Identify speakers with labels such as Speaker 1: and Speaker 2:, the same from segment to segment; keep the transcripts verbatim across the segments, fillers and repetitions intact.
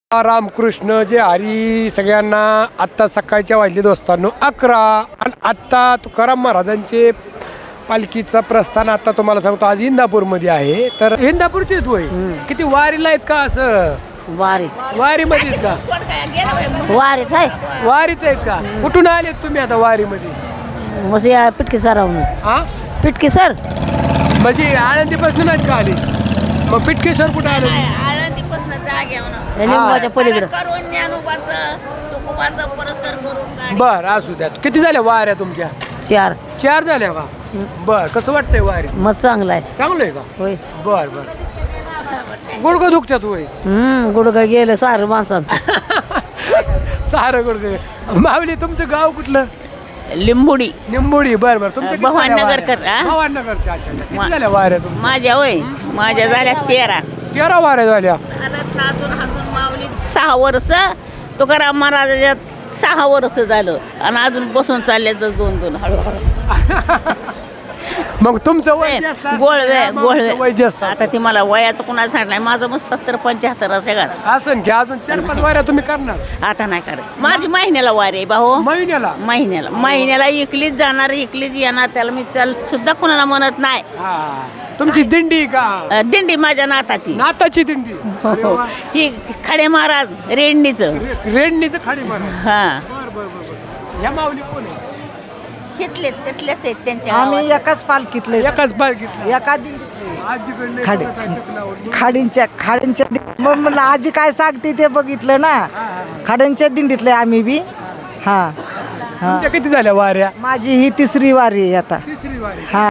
Speaker 1: रामकृष्ण जे हरी सगळ्यांना. आत्ता सकाळच्या वाजले दोस्तांनो अकरा आणि आत्ता तुकाराम महाराजांचे पालखीचा प्रस्थान आता तुम्हाला सांगतो आज इंदापूरमध्ये आहे. तर इंदापूरचे आहेत होय किती वारीला आहेत का असं
Speaker 2: वारी
Speaker 1: वारीमध्ये आहेत का
Speaker 2: वारीत आहे
Speaker 1: वारीत आहेत का कुठून आलेत तुम्ही आता वारीमध्ये
Speaker 2: मग या पिटकी सरावून
Speaker 1: हा
Speaker 2: पिटकी सर
Speaker 1: म्हणजे आळंदीपासून नाहीत का आले मग पिटकेश्वर कुठं आले
Speaker 2: लिंबाच्या पलीकडं
Speaker 1: बर असू द्या किती झाल्या वाऱ्या तुमच्या
Speaker 2: चार
Speaker 1: चार झाल्या का बर कसं वाटतंय वारी
Speaker 2: मग चांगला आहे
Speaker 1: चांगलं आहे का
Speaker 2: होय
Speaker 1: बर बर गुडघं दुखतात होय
Speaker 2: हम्म गुडघा गेलं सारं माणसांचं
Speaker 1: सारं गुडघं. माऊली तुमचं गाव कुठलं
Speaker 3: लिंबुडी
Speaker 1: निंबोडी बर बर तुमच्या किती झाल्या
Speaker 3: भवाननगरकर,
Speaker 1: वाऱ्या?
Speaker 3: हा?
Speaker 1: भवाननगरच्या अच्छा अच्छा. किती झाल्या वाऱ्या तुमच्या
Speaker 3: माझ्या होय माझ्या झाल्या तेरा
Speaker 1: तेरा वाऱ्या झाल्या
Speaker 3: नाचून हसून माऊली सहा वर्ष तुकाराम महाराजाच्या सहा वर्ष झालं आणि अजून बसून चालले तर दोन दोन हळूहळू
Speaker 1: मग तुमचं वय जास्त असतं,
Speaker 3: गोळवे
Speaker 1: या माणसाचं वय जास्त
Speaker 3: गोळवे आता ती मला वयाचं कुणाला सांग नाही माझं मग सत्तर पंच्याहत्तर असे का
Speaker 1: असं की अजून चार पाच वाऱ्या तुम्ही करणार
Speaker 3: आता नाही करत माझी महिन्याला वारी आहे भाऊ
Speaker 1: महिन्याला
Speaker 3: महिन्याला महिन्याला इकलीच जाणार इकलीच येणार त्याला मी चल सुद्धा कुणाला म्हणत नाही.
Speaker 1: हा तुमची दिंडी का
Speaker 3: अं, दिंडी माझ्या नाताची
Speaker 1: नाताची दिंडी अरे वा.
Speaker 3: ही खडे महाराज रेंडणीचं
Speaker 1: रे- रेडणीचं खाडी मारा
Speaker 3: हा
Speaker 1: बर बर बर बर ह्या माऊली कोण आहे
Speaker 3: तिथले तिथलेच आहेत त्यांच्या
Speaker 2: आम्ही एकाच पालखीतले
Speaker 1: एकाच बार घेतला
Speaker 2: एका
Speaker 1: आजीकडे
Speaker 2: खाडी. खाडींच्या खाडींच्या दि- मग म्हणलं आजी काय सांगते ते बघितलं ना खाडींच्या दिंडीतले आम्ही बी हा हा
Speaker 1: तुमच्या किती झाल्या वाऱ्या
Speaker 2: माझी ही तिसरी वारी आहे आता
Speaker 1: तिसरी वारी
Speaker 2: हा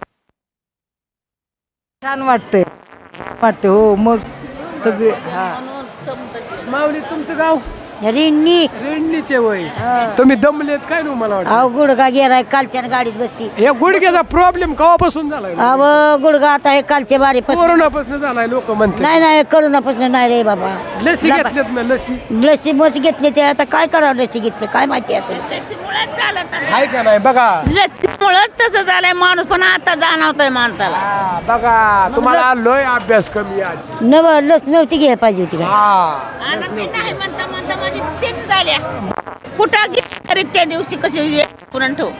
Speaker 2: छान वाटते वाटते हो मग सगळे हा
Speaker 1: माऊली तुमचं गाव
Speaker 2: रिन्नी
Speaker 1: रेडणीचे वय तुम्ही दमलेत काय ना मला वाटतं
Speaker 2: अहो गुडघा गेलाय कालच्या गाडीत बसती
Speaker 1: या गुडघ्याचा प्रॉब्लेम केव्हापासून झालाय
Speaker 2: अहो गुडघा आता हे कालच्या बारी
Speaker 1: कोरोनापासून झालाय लोक म्हणतात
Speaker 2: नाही नाही करोनापासून नाही रे बाबा
Speaker 1: लसी घेतल्यात ना लसी
Speaker 2: लसी मस घेतली ते आता काय करावं लसी घेतली काय माहिती असेल
Speaker 1: आहे का नाही बघा
Speaker 3: लसीमुळंच तसं झालंय माणूस पण आता जाणवतोय माणसाला
Speaker 1: हा, बघा तुम्हाला लोय अभ्यास कमी आज
Speaker 2: नव लस नव्हती घ्यायला पाहिजे होती का
Speaker 1: हा
Speaker 3: आणि मी नाही म्हणता म्हणता माझी तीन झाल्या कुठं गेली तरी त्या दिवशी कशी पुरण ठेव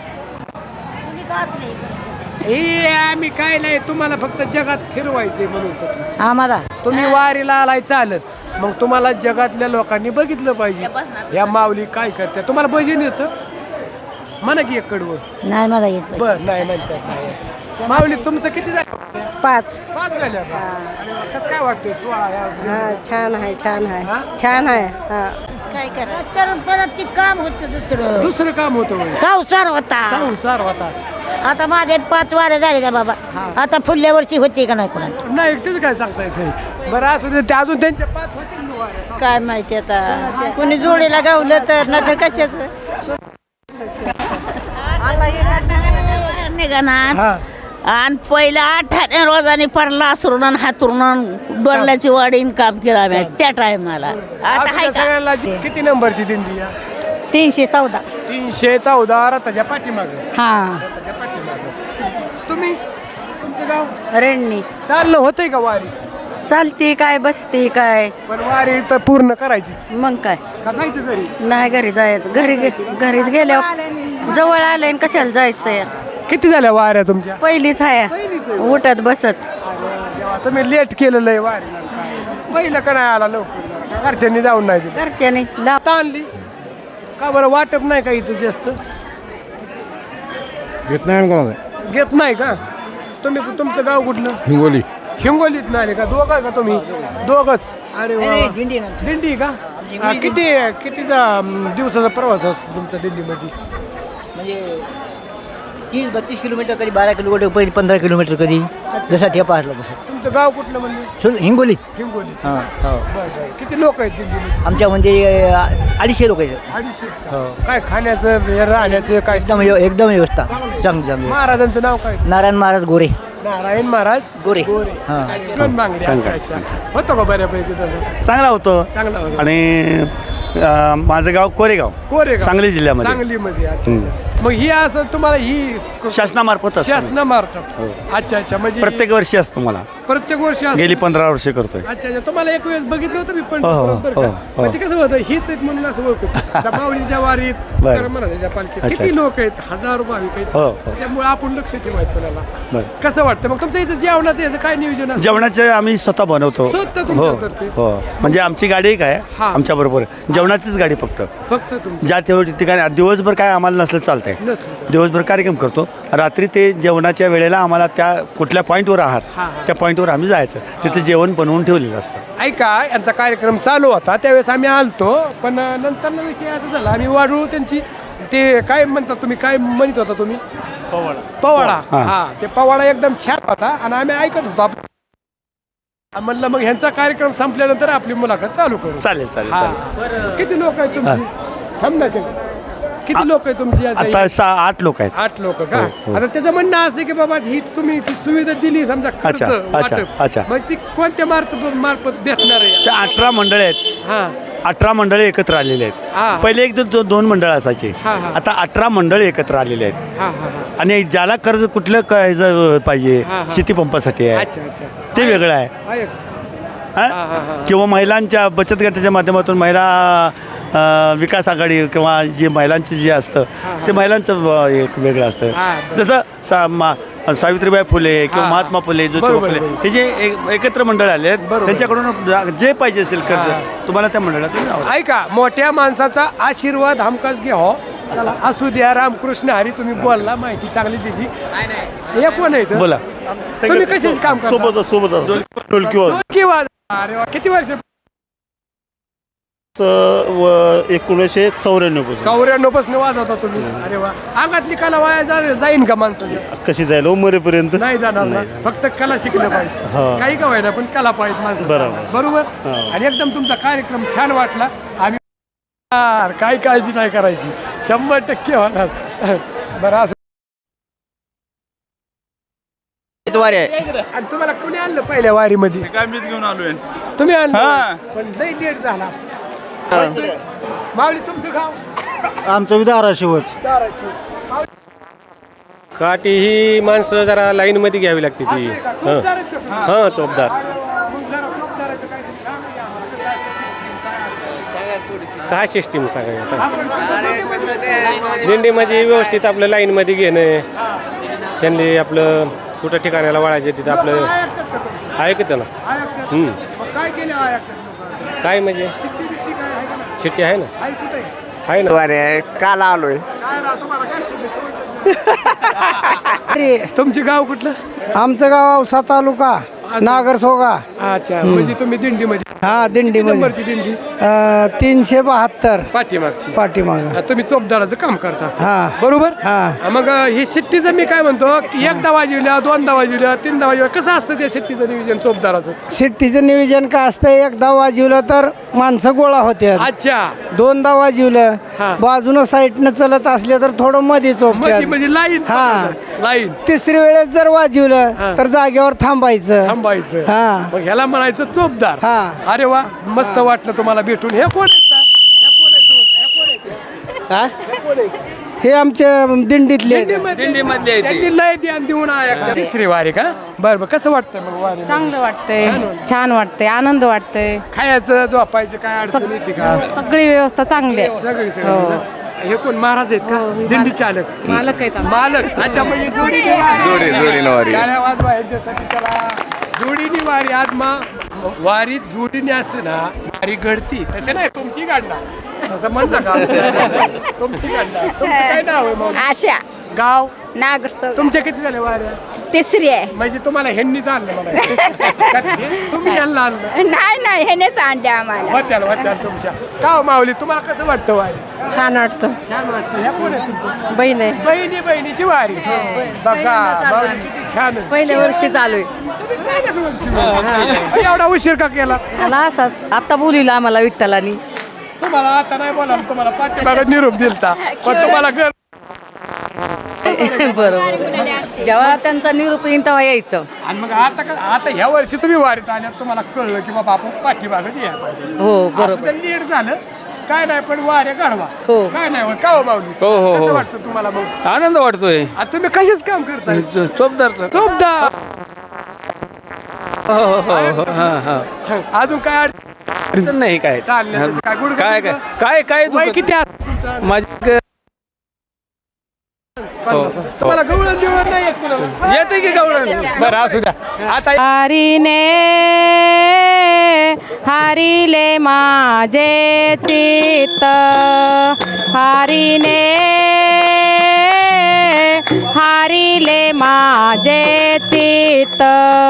Speaker 1: हे आम्ही काय नाही तुम्हाला फक्त जगात फिरवायचंय म्हणून सर.
Speaker 2: आम्हाला
Speaker 1: तुम्ही वारीला आलाय चालत मग तुम्हाला जगातल्या लोकांनी बघितलं पाहिजे या माऊली काय करते तुम्हाला भजन येतं म्हणा की एक कडवं
Speaker 2: नाही मला येत
Speaker 1: बर नाही म्हणतात नाही माऊली तुमचं किती झालं
Speaker 2: पाच
Speaker 1: पाच झाल्या का? कसं काय वाटतंय सोळा या
Speaker 2: छान आहे छान
Speaker 1: हा?
Speaker 2: आहे छान आहे काय करा परत ते काम होतं दुसरं
Speaker 1: दुसरं काम होतं होय.
Speaker 2: संसार होता
Speaker 1: संसार होता
Speaker 2: आता माझे पाच वारे झाले का बाबा आता पुढल्या वर्षी होते का नाही कोणाला
Speaker 1: नाही एकटेच काय सांगता येत बरं असू दे ते अजून त्यांच्या पाच होतील ना वाऱ्या.
Speaker 2: काय माहिती आता कोणी जोडीला गावलं तर नाही कशाच
Speaker 3: निघणार
Speaker 1: हा
Speaker 3: आणि पहिला आठाने रोजाने परला असरून हातरून डोरल्याची वाढीन काम केलं आम्ही त्या टायमाला आता
Speaker 1: असू
Speaker 3: हाय
Speaker 1: द्या
Speaker 3: का
Speaker 1: सगळ्यांना जी- किती नंबरची दिंडी या
Speaker 2: तीनशे चौदा
Speaker 1: तीनशे चौदा रथाच्या पाठीमागे
Speaker 2: हा
Speaker 1: रथाच्या पाठीमागे तुम्ही तुमचं गाव
Speaker 2: रेणनी
Speaker 1: चालणं होतंय का वारी
Speaker 2: चालते काय बसते काय
Speaker 1: पण वारी तर पूर्ण करायची
Speaker 2: मग काय
Speaker 1: का जायचं घरी
Speaker 2: नाही घरी जायचं घरी गे- घरीच गेल्यावर जवळ आलंय कशाला जायचंय
Speaker 1: किती झाल्या वाऱ्या तुमच्या
Speaker 2: पहिलीच आहे
Speaker 1: पहिलीच आहे.
Speaker 2: उठत बसत
Speaker 1: अरे देवा, तुम्ही लेट केलेलं आहे वारीला काय पहिलं का नाही आला लवकर घरच्यांनी जाऊन नाही दिलं
Speaker 2: घरच्याने लाव
Speaker 1: आता आणली का बरं वाटप नाही का इथं जास्त
Speaker 4: घेत नाही कोणाला
Speaker 1: घेत नाही का तुम्ही तुमचं गाव कुठलं
Speaker 4: हिंगोली
Speaker 1: हिंगोलीत नाही आले का दोघं आहे का तुम्ही दोघच अरे वा वा. दिंडी का हा, किती कितीचा अं, दिवसाचा प्रवास असतो तुमचा दिल्लीमध्ये
Speaker 5: म्हणजे तीस बत्तीस किलोमीटर कधी बारा किलोमीटर पहिली पंधरा किलोमीटर कधी जसा ठेपा असला तसं
Speaker 1: तुमचं गाव कुठलं म्हणजे
Speaker 5: सोड हिंगोली
Speaker 1: हिंगोली
Speaker 5: हां हो
Speaker 1: बरं बरं किती लोक आहेत दिल्लीमध्ये
Speaker 5: आमच्या म्हणजे अं, अडीचशे लोक आहेत
Speaker 1: अडीचशे का?
Speaker 5: हो
Speaker 1: काय खाण्याचं हे राहण्याचं काय
Speaker 5: एकदम व्यव- एकदम व्यवस्था चांगली चांगली
Speaker 1: महाराजांचं नाव काय
Speaker 5: नारायण महाराज गोरे
Speaker 1: नारायण महाराज
Speaker 5: गोरे
Speaker 1: गोरे
Speaker 5: हां
Speaker 1: दोन बांगडे अच्छा अच्छा होतो का बऱ्यापैकी तसं
Speaker 4: चांगला होतो
Speaker 1: चांगला होता.
Speaker 4: आणि अं, माझं गाव कोरेगाव
Speaker 1: कोरेगाव
Speaker 4: सांगली जिल्ह्यामध्ये
Speaker 1: सांगलीमध्ये अच्छा अच्छा मग ही असं तुम्हाला ही
Speaker 4: शासनामार्फत असतं.
Speaker 1: शासनामार्फत
Speaker 4: हो.
Speaker 1: अच्छा अच्छा म्हणजे
Speaker 4: प्रत्येक वर्षी असतं मला.
Speaker 1: प्रत्येक वर्षी असतं?
Speaker 4: गेली पंधरा वर्ष करतोय.
Speaker 1: अच्छा अच्छा तुम्हाला एक वेळेस बघितलं होतं मी पण
Speaker 4: हो, हो,
Speaker 1: बरं
Speaker 4: हो,
Speaker 1: का?
Speaker 4: हो.
Speaker 1: मग ते कसं होतं हीच आहेत म्हणून असं ओळखतो आता माऊलीच्या वारीत
Speaker 4: बरं.
Speaker 1: तुकाराम महाराजांच्या पालखीत
Speaker 4: अच्छा,
Speaker 1: किती
Speaker 4: अच्छा.
Speaker 1: लोक आहेत हजारो भाविक आहेत
Speaker 4: हो, हो.
Speaker 1: त्याच्यामुळे आपण लक्ष ठेवायचं कोणाला
Speaker 4: बरं.
Speaker 1: कसं वाटतं मग तुमचं इथं जेवणाचं याचं काय नियोजन असतं?
Speaker 4: जेवणाचे आम्ही स्वतः बनवतो.
Speaker 1: स्वतः
Speaker 4: हो
Speaker 1: तुमच्यातर्फे?
Speaker 4: हो म्हणजे आमची गाडी एक आहे
Speaker 1: हा.
Speaker 4: आमच्या बरोबर जेवणाचीच गाडी फक्त.
Speaker 1: फक्त तुमचं
Speaker 4: ज्या तेवढ्या ठिकाणी दिवसभर काय आम्हाला नसलं चालतंय.
Speaker 1: नसलं
Speaker 4: दिवसभर कार्यक्रम करतो रात्री ते जेवणाच्या वेळेला आम्हाला त्या कुठल्या पॉईंटवर आहात
Speaker 1: हा, हा.
Speaker 4: त्या पॉईंटवर आम्ही जायचं तिथे जेवण बनवून ठेवलेलं असतं.
Speaker 1: ऐका यांचा कार्यक्रम चालू होता त्यावेळेस आम्ही आलतो पण नंतर विषय असा झाला आम्ही वाढू त्यांची ते काय म्हणतात तुम्ही काय म्हणत होता तुम्ही पवाडा पवाडा
Speaker 4: हा.
Speaker 1: हा ते पवाडा एकदम छान होता आणि आम्ही ऐकत होतो आप- म्हणलं मग ह्यांचा कार्यक्रम संपल्यानंतर आपली मुलाखत चालू करू.
Speaker 4: चालेल चालेल
Speaker 1: हा.
Speaker 4: चालेल.
Speaker 1: किती लोक आहेत तुमची थांब ना शेठ. किती लोक आहेत तुमची आता
Speaker 4: आता
Speaker 1: ही?
Speaker 4: सहा आठ लोक आहेत.
Speaker 1: आठ लोक का
Speaker 4: हो, हो.
Speaker 1: आता त्याचं म्हणणं असं आहे की बाबा ही तुम्ही ती सुविधा दिली समजा खर्च
Speaker 4: अच्छा, अच्छा,
Speaker 1: वाटप.
Speaker 4: अच्छा.
Speaker 1: म्हणजे ती कोणत्या मार्फत मार्फत भेटणार आहे
Speaker 4: त्या अठरा मंडळे आहेत.
Speaker 1: हा
Speaker 4: अठरा मंडळे एकत्र आलेले
Speaker 1: हा.
Speaker 4: आहेत. पहिले एक दो- दोन मंडळ असायचे
Speaker 1: हा, हा.
Speaker 4: आता अठरा मंडळ एकत्र आलेले आहेत.
Speaker 1: हा हा हा
Speaker 4: आणि ज्याला कर्ज कुठलं क- पाहिजे
Speaker 1: हा, हा.
Speaker 4: शेती पंपासाठी आहे
Speaker 1: अच्छा अच्छा
Speaker 4: ते वेगळं आहे.
Speaker 1: आहे.
Speaker 4: हा?
Speaker 1: हा, हा, हा.
Speaker 4: किंवा महिलांच्या बचत गटाच्या माध्यमातून महिला अ, विकास आघाडी किंवा जे महिलांचं जे असतं
Speaker 1: हा, हा.
Speaker 4: ते महिलांचं अ, एक वेगळं असतं.
Speaker 1: हा, बरं.
Speaker 4: जसं सा मा सावित्रीबाई फुले किंवा
Speaker 1: हा.
Speaker 4: महात्मा फुले ज्योतिबा
Speaker 1: बरोबर,
Speaker 4: फुले
Speaker 1: बरोबर.
Speaker 4: हे जे एक- एकत्र मंडळ आले आहेत
Speaker 1: बरोबर.
Speaker 4: त्यांच्याकडून जा- जे पाहिजे असेल
Speaker 1: हा.
Speaker 4: कर्ज तुम्हाला त्या मंडळातून द्यावं लागेल.
Speaker 1: ऐका मोठ्या माणसाचा आशीर्वाद हमखास घ्या हो चला असू द्या रामकृष्ण हरी तुम्ही बोलला माहिती चांगली दिली हे कोण आहे इथं?
Speaker 4: बोला
Speaker 1: तुम्ही कशाचे काम करता?
Speaker 4: सोबत सोबत ढोलकी वाजव.
Speaker 1: ढोलकी वाजव. अरे वा किती वर्ष
Speaker 6: एकोणीसशे चौऱ्याण्णव पासून
Speaker 1: चौऱ्याण्णव पासून वाजवता तुम्ही अरे वा अंगातली कला वाया जा- जाईन का माणसाची
Speaker 6: कशी जाईल हो मरेपर्यंत.
Speaker 1: नाही जाणार ना फक्त कला शिकलं पाहिजे
Speaker 6: हा.
Speaker 1: काही का व्हायना पण कला पाहिजे माणसं
Speaker 6: बरोबर.
Speaker 1: बरोबर
Speaker 6: हा.
Speaker 1: आणि एकदम तुमचा कार्यक्रम छान वाटला आम्ही यार, काय काळजी नाही करायची शंभर टक्के होणार बरं असं
Speaker 5: वारी आहे
Speaker 1: आणि तुम्हाला कोणी आणलं पहिल्या वारीमध्ये
Speaker 6: काय मीच घेऊन आलोय.
Speaker 1: तुम्ही आणलं
Speaker 6: हा.
Speaker 1: पण लई लेट झाला माऊली तुमचं गाव
Speaker 6: आमचं बी धाराशिवच.
Speaker 1: धाराशिव.
Speaker 7: काठी ही माणसं जरा लाईन मध्ये घ्यावी लागते ती
Speaker 1: असं आहे का? चोपदार आहेत का तुम्ही?
Speaker 7: हा चोपदार
Speaker 1: मग जरा चोपदाराचं काहीतरी सांगा की आम्हाला. कसं असतं system, काय असतं?
Speaker 7: काय सिस्टीम सांगा आता
Speaker 1: आपण कसं दिंडीमध्ये-
Speaker 7: दिंडीमध्ये व्यवस्थित आपलं लाईन मध्ये घेणं त्यांनी आपलं कुठं ठिकाणाला वळायचे तिथं
Speaker 1: लोकं
Speaker 7: आपलं
Speaker 1: ऐकतात का तुमचं?
Speaker 7: ऐकतं ना
Speaker 1: ऐकतात.
Speaker 7: हम्म.
Speaker 1: मग काय केलं ऐकतात लोकं?
Speaker 7: काय म्हणजे
Speaker 1: शिट्टी बिट्टी काय आहे का नाही?
Speaker 7: शिट्टी आहे ना
Speaker 1: आहे कुठे?
Speaker 7: आहे ना
Speaker 8: काल आलोय.
Speaker 1: काय राव, तुम्हाला काय शिट्टी सवय? तुमचे गाव कुठलं?
Speaker 9: आमचं गाव औसा तालुका नागर सोगा.
Speaker 1: अच्छा म्हणजे तुम्ही दिंडीमध्ये
Speaker 9: हा
Speaker 1: किती
Speaker 9: दिंडीमध्ये
Speaker 1: नंबरची दिंडी
Speaker 9: अं, तीनशे बहात्तर
Speaker 1: पाठीमागची
Speaker 9: पाठीमाग.
Speaker 1: हा, तुम्ही चोपदाराचं काम करता
Speaker 9: हा
Speaker 1: बरोबर
Speaker 9: हा.
Speaker 1: हा, मग ही शिट्टीचं मी काय म्हणतो की एकदा वाजवल्या दोनदा वाजवल्या तीनदा वाजवल्या कसं असतं त्या शिट्टीचं नियोजन चोपदाराचं?
Speaker 9: शिट्टीचं नियोजन काय असतं एकदा वाजवलं तर माणसं गोळा होते.
Speaker 1: अच्छा
Speaker 9: दोनदा वाजवलं
Speaker 1: हा.
Speaker 9: बाजूनं साईडनं चलत असले तर थोडं मध्ये
Speaker 1: मध्ये
Speaker 9: चोपत्यात.
Speaker 1: म्हणजे लाईन
Speaker 9: हा.
Speaker 1: लाईन
Speaker 9: तिसरी वेळेस जर
Speaker 1: हा.
Speaker 9: वाजवलं तर जागेवर थांबायचं.
Speaker 1: थांबायचं
Speaker 9: हा.
Speaker 1: मग ह्याला म्हणायचं चोपदार.
Speaker 9: हा.
Speaker 1: अरे वा मस्त वाटलं तुम्हाला भेटून. हे कोण आहेत का? हे कोण आहे तो? हे कोण आहे ते?
Speaker 9: हा?
Speaker 1: हे कोण आहे?
Speaker 9: हे आमच्या दिंडीतले
Speaker 1: दिंडीमधले त्यांनी लय ध्यान देऊन ऐकतात. तिसरी वारी का बरं बरं कसं वाटतं मग वारी
Speaker 10: चांगलं वाटतंय
Speaker 1: छान वाटतंय.
Speaker 10: छान वाटतंय आनंद वाटतंय
Speaker 1: खायचं झोपायचं काय अडचण येते का?
Speaker 10: सगळी व्यवस्था चांगली आहे
Speaker 1: सगळी सगळी
Speaker 10: हो.
Speaker 1: ना? हे कोण महाराज आहेत का
Speaker 10: हो, हे
Speaker 1: दिंडी
Speaker 10: मालक-
Speaker 1: चालक
Speaker 10: मालक आहेत आम्ही.
Speaker 1: मालक अच्छा म्हणजे जोडीने वारी.
Speaker 8: जोडी- जोडीने वारी.
Speaker 1: गाड्या वाजवा यांच्यासाठी चला जोडीने वारी आज मा वारीत जोडीने असते ना वारी घडती तसे नाही तुमची गाडणार असं म्हण नका आमच्या. तुमची गाडणार तुमचं काय नाव आहे मग
Speaker 3: आशा
Speaker 1: गाव
Speaker 3: नागर
Speaker 1: तुमच्या किती झाले वाऱ्या
Speaker 3: तिसरी आहे.
Speaker 1: म्हणजे तुम्हाला ह्यांनीच आणलं मला तुम्ही यांना आणलं
Speaker 3: नाही नाही ह्यानेच आणले आम्हाला.
Speaker 1: होत्याल होत्याल तुमच्या का हो माऊली तुम्हाला कसं वाटतं वारी?
Speaker 9: छान वाटतं.
Speaker 1: छान वाटतं. ह्या कोण आहे तुमचं?
Speaker 9: बहीण आहे.
Speaker 1: बहिणी बहिणीची वारी बघा माऊली किती छान आहे.
Speaker 10: पहिल्या वर्षी चालू आहे
Speaker 1: तुम्ही पहिल्याच वर्षी. एवढा उशीर का केला
Speaker 10: मला असाच आता बोलिला आम्हाला विठ्ठलानी
Speaker 1: तुम्हाला आता नाही बोला तुम्हाला पाठीमागं निरोप दिलता पण तुम्हाला घर
Speaker 10: बरोबर जेव्हा त्यांचा निरूप येईन तेव्हा यायचं.
Speaker 1: आणि मग आता का आता ह्या वर्षी तुम्ही वारीत आल्यात तुम्हाला कळलं की बाबा आपण पाठीमागच यायला पाहिजे
Speaker 10: हो
Speaker 1: असं
Speaker 10: बरोबर
Speaker 1: तर लेट झालं काय नाही पण वाऱ्या काढवा
Speaker 10: हो.
Speaker 1: काय नाही होत का हो माऊली
Speaker 7: हो, हो,
Speaker 1: कसं
Speaker 7: हो.
Speaker 1: वाटतं तुम्हाला मग
Speaker 7: आनंद वाटतोय
Speaker 1: आता तुम्ही कशाच काम करताय
Speaker 7: चोपदारचं
Speaker 1: चोपदा
Speaker 7: हो हो हो हां हां
Speaker 1: अजून काय
Speaker 7: अडचण नाही काय
Speaker 1: चाललं काय गुड
Speaker 7: काय काय काय काय
Speaker 1: वय
Speaker 7: दुखत-
Speaker 1: किती आहे तुमचं?
Speaker 7: माझी
Speaker 1: पन्नास. तुम्हाला गवळण बिवळण नाही येत कुणाला?
Speaker 7: येते की गवळण
Speaker 1: बरं असू द्या आता
Speaker 10: हरीने हरिले माझे चित्त हरीने हरिले माझे चित्त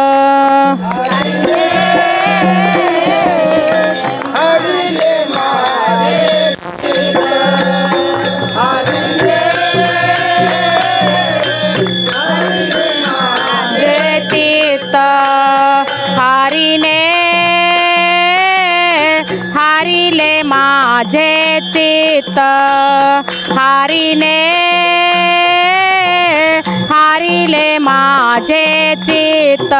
Speaker 10: जे चित्त हरिने हरिले माझे चित्त हरिने हरिले माझे चित्त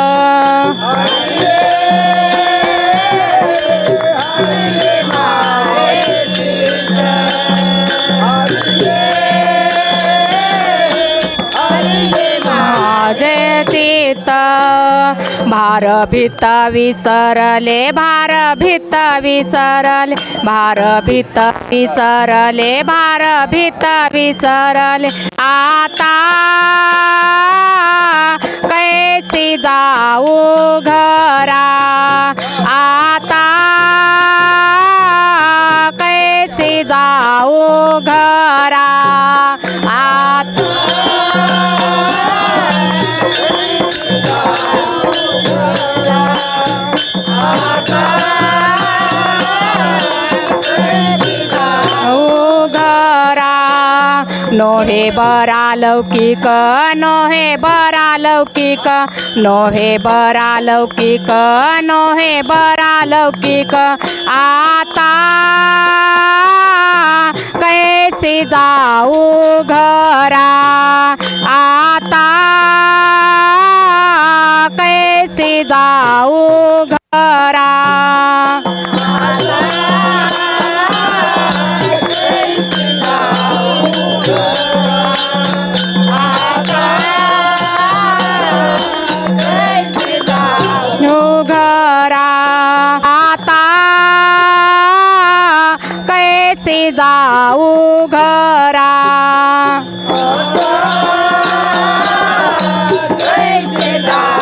Speaker 10: माझे चित्त भार भीत विसरले भार भीत विसरले भार भीत विसरले भार भीत विसरले आता कैसी जाऊ घरा आता कैसी जाऊ घरा आता घरा नोहे बरा लौकिक नोहे बरा लौकिक नोहे बरा लौकिक नोहे बरा लौकिक आता कैसे जाऊ घरा आता कैसे जाऊ घरा घरा आता कैसे जाऊ घरा कैसे जाऊ